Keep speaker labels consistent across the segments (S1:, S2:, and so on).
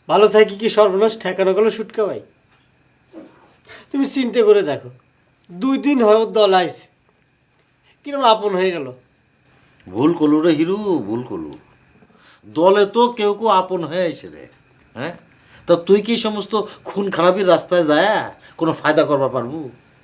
S1: ভালো থাকি কি সর্বনাশ ঠেকানো গেল সুটকা ভাই। তুমি চিন্তা করে দেখো, 2 দিন হয় ওর দল আইছে, কিরকম আপন হয়ে গেল।
S2: ভুল করলু রে হিরু, ভুল করলু। দলে তো কেউ কেউ আপন হয়ে আইছে রে। হ্যাঁ, তা তুই কি সমস্ত খুন খারাপির রাস্তায় যায় কোনো ফায়দা করবা পারবু?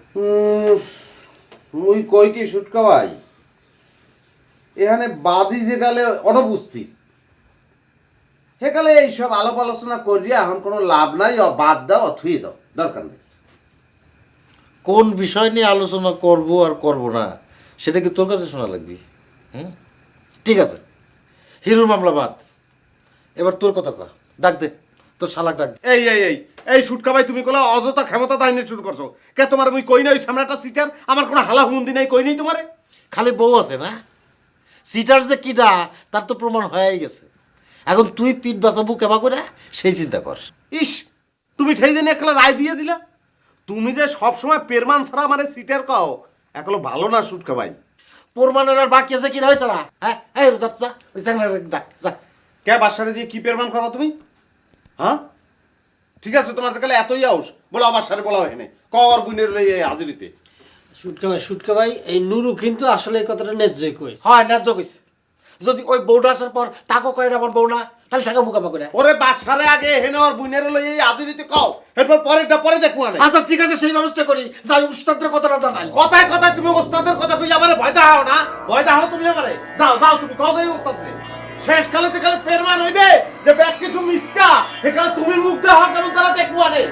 S3: মুই কই কি সুটকা ভাই, এখানে বাদি যে গালে অনুপস্থিত, সেকালে এইসব আলাপ আলোচনা করিয়া এখন কোনো লাভ নাই, বাদ দাও, থুয়ে দাও, দরকার নেই।
S2: কোন বিষয় নিয়ে আলোচনা করব আর করব না সেটা কি তোর কাছে শোনা লাগবে? হুম, ঠিক আছে, হিরুর মামলা বাদ। এবার তোর কথা কর, ডাক দে তোর শালাক ডাক দে।
S3: এই এই এই এই সুটকা ভাই, তুমি কোলা অযথা ক্ষমতা দাইনে শুরু করছো কে? তোমার মুই কই নাই সামরাটা সিটার, আমার কোনো হালা হুমন্দি নাই, কই নাই তোমারে।
S2: খালি বউ আছে না, সিটার যে কিডা তার তো প্রমাণ হয়েই গেছে। এখন তুই পিঠ বাঁচাবো কেবা করে সেই চিন্তা কর।
S3: ইস, তুমি ঠেই জানি একলা রায় দিয়ে দিলা। তুমি যে সব সময় পেরমান ছাড়া আমারে সিটার কও, একলো ভালো না সুটকা ভাই।
S2: প্রমাণের আর বাকি আছে কিনা হয়েছে না? হ্যাঁ, এই যা যা, ওই চ্যাংড়াটাকে ডাক যা।
S3: কে বাসারে দিয়ে কি পেরমান করবা তুমি? হ্যাঁ, ঠিক আছে, তোমার কালে এতই আউস, বলো আমার সারে বলা হয় না, কর বুনের লইয়ে হাজিরিতে।
S1: সুটকা ভাই, এই নুরু কিন্তু আসলে এই কথাটা ন্যায্যই কইছে।
S2: হয় ন্যায্য কইছে। যদি ওই বউটা আসার পর তাকে কয় না আমার বউ না, তাহলে থাকা মুখামা করে।
S3: ওরে বাসারে আগে হেনে ওর বুনের লইয়ে হাজিরিতে কও, এরপর পরেরটা পরে দেখবো না।
S2: আচ্ছা ঠিক আছে, সেই ব্যবস্থা করি। যাই উস্তাদের কথাটা জানাই।
S3: কথায় কথায় তুমি ওস্তাদের কথা কই আমারে ভয় দাও না, ভয় দাও তুমি আমারে। যাও যাও, তুমি কও দেই ওস্তাদরে। শেষ কালেতে কালে পেরমান হইবে যে ব্যাগ কিছু মিথ্যা, এখানে তুমি মুখ দেওয়া কেমন তারা দেখবো আনে।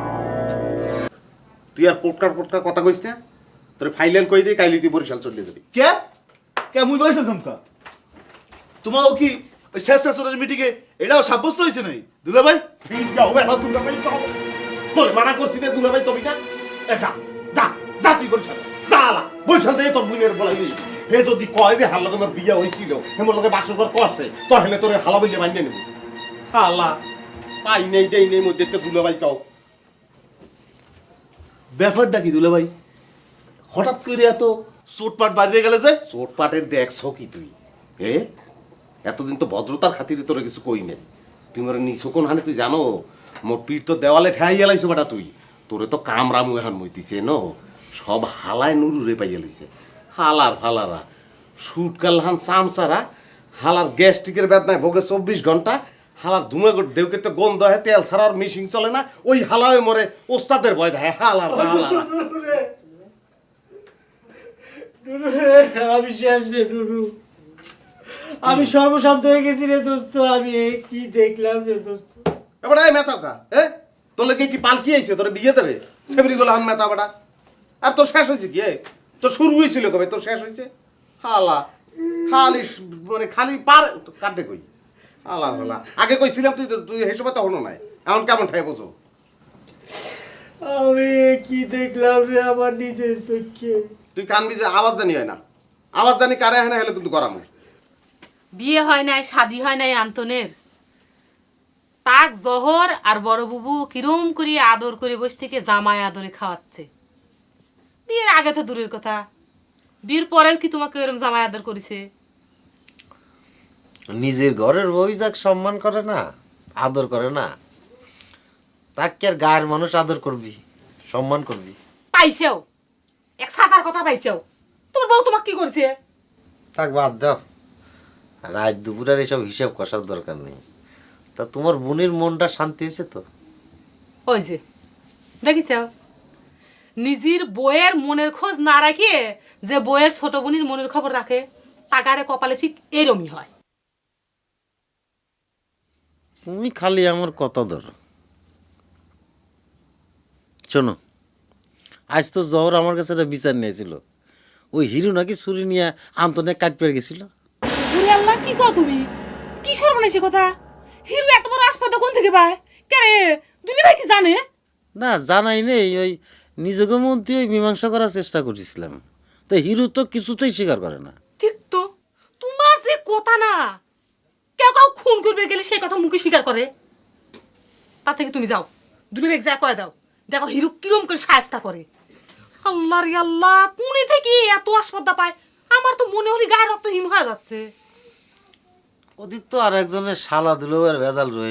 S3: তুই আর পোটকার কথা কইস না, তোর ফাইলেন কই দেই, কাইলি তুই বরিশাল চলে যাবি।
S4: কে কে মুই বলছেন চমকা? তোমাও কি ওই শেষ শেষের মিটিংয়ে এটাও সাব্যস্ত হয়েছে নাই দুলা ভাই?
S3: যাও বেলা দুলাভাই যাও, তোর মানা করছি না দুলাভাই, তুমি না এ যা যা যা, তুই বরিশাল যা, আলা বরিশাল দিয়ে তোর বুনের বলাইবি। হে যদি কয় যে হার লগে আমার বিয়া হইছিল, হেমর লগে বাসর করছে, তাহলে তোরে হালা বইলে মাইনে নেব। হালা পাই নেই দেই নেই মধ্যে তো দুলাভাই কও।
S4: ব্যাপারটা কি দুলা ভাই, হঠাৎ করে এত চোটপাট বাড়িয়ে গেলে যে?
S3: চোটপাটের দেখছো কি তুই? এ এতদিন তো ভদ্রতার খাতিরে তোরে কিছু কই নাই, তুই মোর নিছো কোন হানে তুই জানো? মোর পিঠ তো দেওয়ালে ঠেয়াই গেলাইছো বেটা তুই। তোরে তো কামরামু এখন মইতিছে ন, সব হালায় নুরুরে পাইয়া লইছে। হালার ফালারা সুটকাল হান চামচারা, হালার গ্যাস্ট্রিকের বেদনায় ভোগে 24 ঘন্টা, হালার ধুমে দেউকে তো গন্ধ হয়, তেল ছাড়া আর মিশিং চলে না, ওই হালায় মরে ওস্তাদের ভয় দেয়। হালার হালারা
S1: আমি শেষ রে নুরু, আমি সর্বশান্ত হয়ে গেছি রে দোস্ত। আমি এই কি দেখলাম রে দোস্ত।
S3: এবার এই মেথা কা তোর লেগে কি পালকি আইছে তোর বিয়ে দেবে? সেবরি গুলো হান মেথা বেটা। আর তোর শেষ হয়েছে কি? তোর শুরু হয়েছিল কবে, তোর শেষ হয়েছে? হালা খালি মানে খালি পার কাটে কই। হালা হালা আগে কইছিলাম, তুই তুই হিসেবে তখনও নাই, এখন কেমন ঠাই বসো?
S1: আমি কি দেখলাম রে আমার নিজের চোখে।
S3: তুই কানবি যে আওয়াজ জানি হয় না, আওয়াজ জানি কারে হয় না, হলে কিন্তু গরম।
S5: বিয়ে হয় নাই, শাদি হয় নাই আন্তনের, তাক জহর আর বড় বুবু কিরম করে আদর করে বসে থেকে জামাই আদরে খাওয়াচ্ছে। বিয়ের আগে তো দূরের কথা, বিয়ের পরেও কি তোমাকে এরকম জামাই আদর করেছে?
S2: নিজের ঘরের বই যাক সম্মান করে না, আদর করে না, তাকে আর গায়ের মানুষ আদর করবি, সম্মান করবি?
S5: পাইছেও এক সাতার কথা পাইছেও, তোমার বউ তোমাকে কি করছে?
S2: তাক বাদ দাও, রাত দুপুরের এসব হিসাব কষার দরকার নেই। তা তোমার বোনের মনটা শান্তি হয়েছে তো?
S5: ওই যে দেখিস, নিজের বইয়ের মনের খোঁজ না রাখিয়ে যে বইয়ের ছোট বোনের মনের খবর রাখে, টাকারে কপালে ঠিক এরমই হয়।
S2: তুমি খালি আমার কথা ধরো। শোনো, আজ তো জহর আমার কাছে একটা বিচার নিয়েছিল, ওই হিরু নাকি ছুরি নিয়ে আন্তনে কাট পেয়ে গেছিল।
S5: ওরে আল্লাহ, কি কও তুমি? কি সর্বনাশী কথা! হিরু এত বড় আসপাতা কোন থেকে পায়? কে রে, দুলি ভাই কি জানে?
S2: না জানাই নেই, ওই নিজেকে মধ্যে ওই মীমাংসা করার চেষ্টা করছিলাম, তো হিরু তো কিছুতেই স্বীকার করে না।
S5: ঠিক তো, তোমার যে কথা না, কেউ কাউ খুন করবে গেলে সেই কথা মুখে স্বীকার করে। তার থেকে তুমি যাও, দুলি ভাই যা কয়ে দাও, দেখো হিরু কিরম করে সায়স্তা করে। আল্লাহ রে আল্লাহ, পুনে থেকে এত আসপাতা পায়, আমার তো মনে হলি গায়ে রক্ত হিম হয়ে যাচ্ছে।
S2: ওদিক তো আর একজনের শালা দিলেও আর ভেজাল রয়ে